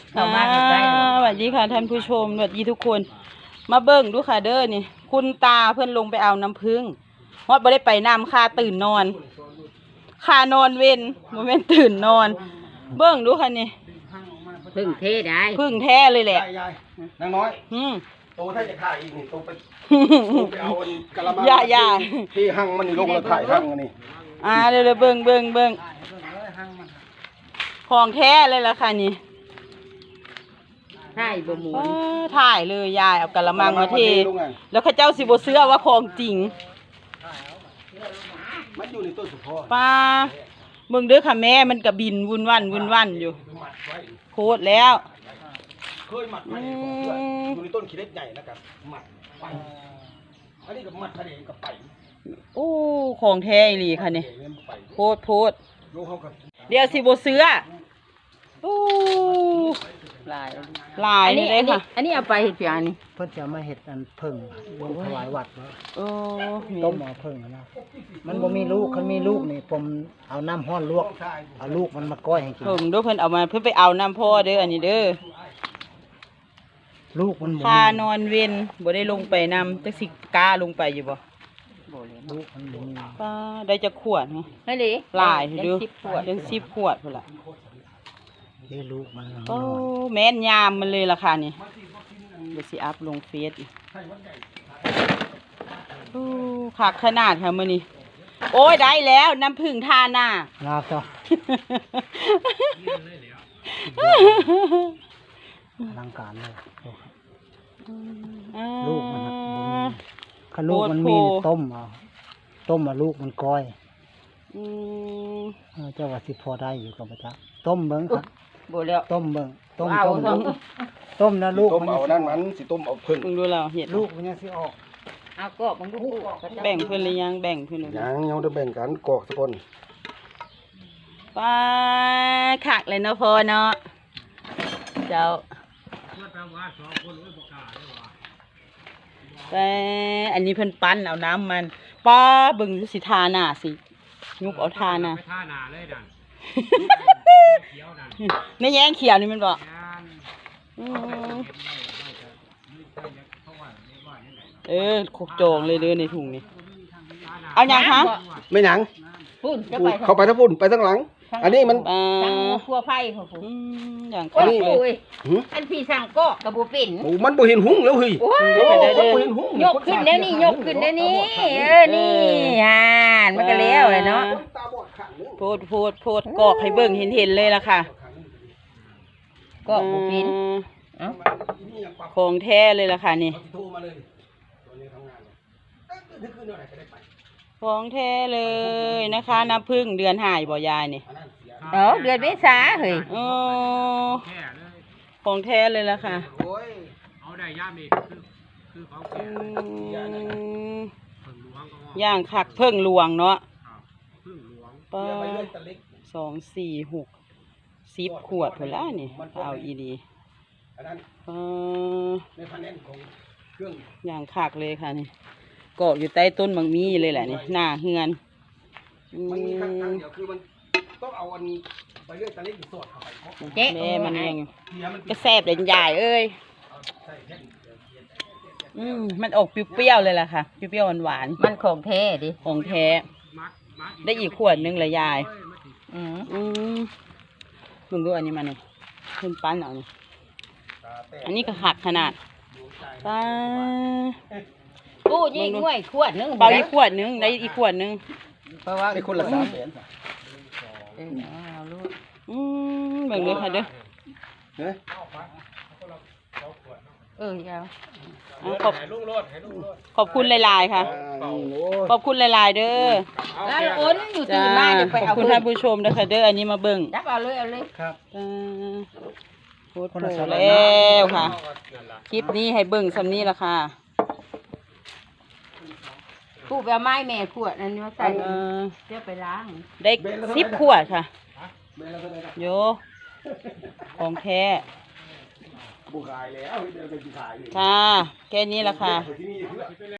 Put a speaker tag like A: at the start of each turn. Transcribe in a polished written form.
A: เข้าบ้านได้
B: สวัสดีค่ะท่านผู้ชมสวัสดีทุกคนมาเบิ่งดูค่ะเด้อนี่คุณตาเพื่อนลงไปเอาน้ำผึ้งฮอดบ่ได้ไปน้ำค่าตื่นนอนค่านอนเว้นโมเมนตื่นนอน เบิ่งดูค่ะนี่
A: พึ่งเทได้
B: ผึ้งแท้เลยแหละ
C: ยายนางน้อย โตถ้าจะถ่ายอีกนี่โตไปเอากะละมัง
B: อย่า
C: ที่หั่งมันนี่ลงแล้วถ่ายหั่งอันนี้
B: เดี๋ยวเบิ่งของแท้เลยล่ะค่ะนี่
A: ใช่บ่หมุน
B: ถ่ายเลยยายเอากะละมังมาเทแล้วข้าเจ้าสิบ่เชื่อว่าของจริง
C: มันอยู่ในต้นสุพร
B: ป้าเบิ่งเด้อค่ะแม่มันก็บินวุ่นวันอยู่โคตรแล้ว
C: เคยหมัดมาอยู่ในต้นขี้เล็กใหญ่นะครับหมัดไปอันนี้ก็หมัดทะเลกับไป
B: โอ้ของแท้อีหลีค่ะนี่โพด
C: โยกเขากับ
B: เดี๋ยวสิบ่เชื่อโอ้
A: ลาย
B: หลายนี่เลยค่ะ
A: อันนี้เอาไปเฮ็ดเพียงนี่
D: เพิ่นจะมาเห็ดอันเพิ่งลงถวายวัดเนาะ
B: โอ้มี
D: ต้มเอาเพิ่งนะมันบ่มีลูกคันมีลูกนี่ผมเอาน้ำห้อนลวกเอาลูกมันมาก้อยให้กิน
B: เพิ่งดูเพิ่นเอามาเพิ่นไปเอาน้ำพ่อเด้ออันนี้เด้อ
D: ลูกมันบ่
B: ค่า
D: มี
B: นอนเว้นบ่ได้ลงไปนำจักสิกล้าลงไปอยู่บ่
D: ลูกมันบ่มี
B: ป้าได้จักขวดฮะ
A: นั่นดิ
B: หลายเด้อ
A: 10ขวด
B: จัง10ขวดพุ่นล่ะ
D: เด้ลูกมัน
B: โอ้แม่นยามมันเลยล่ะค่ะนี่เดี๋ยวสิอัพลงเฟซอีกโอ้คักขนาดค่ะมื้อนี้โอ้ยได้แล้วน้ำผึ้งทาหน้า
D: ลาบจ้ะอลังการเลยลูกมันน่ะบ่มีคันลูกมันมีต้มเอาลูกมันก้อย
B: อืม
D: เจ้าว่าสิพอได้อยู่กับพระเจ้าต้มเบิ่งครับ
A: บ่แล้ว
D: ต้มเบิ่งต้ม
A: เอา
D: ต้มต้มนะลูก
C: ต้ม
D: มัน
C: เอานั่นมันสิต้มเอาพึ่ง
B: มึงดูแล้วเห็ด
D: ลูกมันยังสิออก
A: เอาก็มันก็
B: แบ่งเพื่อนหรือยังแบ่งเพื่อนหรือ
C: ยังยังได้แบ่งกันกอกสักคน
B: ป้าขักเลยเนาะพอเนาะเจ้าแต่อันนี้เพิ่นปั้นเอาน้ำมันป้าเบิ่งดูสิทาหน้าสิยุกเอาทาหน้า
E: ท่าหนาเลยดันเขียวดัน
B: ในแย้งเขียวนี่มันบอก
E: งาน
B: อืม
E: เขาว่าไม่ว่าเนี่ยไหน
B: ขกโจงเลยเด้อในถุงนี่เอาอย่างคะ
C: ไม่หยัง
A: พุ่นจะ
C: พู
A: ไป
C: ดเข้าไปทั้งพุ่นไปทั้งหลัง อันนี้มัน
B: ป้า
A: สั่งครัวไฟเขาพุ่น
B: อย่าง
A: โอ้
B: คัก
A: ย
B: เลย
A: โอ้ย
C: หือ
A: อันพี่สั่งก็กระบ่เป็น
C: โอ้มันบ่เห็นหุ้งแล้วเฮ้ย
A: โอ้ย
C: มันบ่เห็นหุ้ง
A: ยกขึ้นแล้วนี่ยกขึ้นแล้วนี่นี่มันก็แล้วเลยเนาะ
C: ตาบอดข้างนึง
B: โพดกอกให้เบิ่งเห็นเลยล่ะค่ะ
A: ก็บ่เป็นเอ้า
B: ของแท้เลยล่ะค่ะนี่
C: โทรมาเลยตัวนี้ทำงานเลยนึกขึ้นเท่าไหร่ก็ได้ไป
B: ของแท้เลยนะคะน้ำผึ้งเดือนหายบ่ยายนี่
A: เดือนเมษาเฮ้ย
B: โอ้
E: แค่เลย
B: ของแท้เลยล่ะค่ะ
C: โอ้ย
E: เอาได้ย่ามนี่คือเขา
B: อื
E: แก่
B: ม
E: ผึ่งหลวงก็ว่า
B: ย่างคักเพิ่งหลวงเนาะ
E: ผึ่งหลวง
B: ป้า
C: เดี๋ยวไปเลื่อยตะเล็ก
B: 2 4 6 10ขวดพุ่นละนี่เอาอีดี
C: อันนั้น ในพันแนนของเครื่อง
B: ย่างคักเลยค่ะนี่เกาะอยู่ใต้ต้นบางมีเลยแหละนี่หน้าเฮือน
C: มันมีครั้งเดียวคือมันต้องเอาอันไปเลื่อยตะเล็กอยู่สดเข้าไปเพราะ
A: เจ๊
B: แม่มันยัง
C: เทียมัน
B: ก็แซ่บเลยยายเอ้ย
C: ใส่แท่น
B: มันออกเปรี้ยวๆเลยล่ะค่ะเปรี้ยวๆหวาน
A: มันของแท้ดิ
B: ๆของแท้
E: มัด
B: ได้อีกขวดนึงเลยยาย
A: อืม
B: มึงดูอันนี้มาหน่อยขึ้นปั้นเอานี่
C: ตาแตก
B: อันนี้ก็หักขนาดป้า
A: กู้ยิ่งง่วยขวดนึง
B: เปล่าอีกขวดนึงได้อีกขวดนึง
A: เพราะว่า
C: ไอ้คนละ300,000
A: เอาลูก
B: เบิ่งเลยค่ะเด้อ
C: เฮ้ย
A: ยาว
B: ขอบคุณหลายๆค่ะ ขอบคุณหลายๆเด้อ
A: แล้วอ้นอยู่ตื่
B: จ้าน
A: มาเดี๋ยวไป
B: ขอบ
A: เอา
B: คุณท่านผู้ชมนะคะเด้ออันนี้มาเบิ่ง
A: จับเอาเลยเอาเลย
D: ครับ
B: โคตรโหแล้วค่ะ คลิปนี้ให้เบิ่งซ้ำนี้ละค่ะ
A: กู้ไปเอาไม้แม่ขวดนั่นมาใส่
B: เออ
A: เดี๋ยวไปล้าง
B: ได้10 ขวดค่ะ
C: แม่แล้วเท่าไหร่ครับ
B: โยของแท้
C: บุกขายแล้วเดี๋ยวไปกินขายเลย
B: ค่ะ แค่นี้ละค่ะ
C: ที่นี่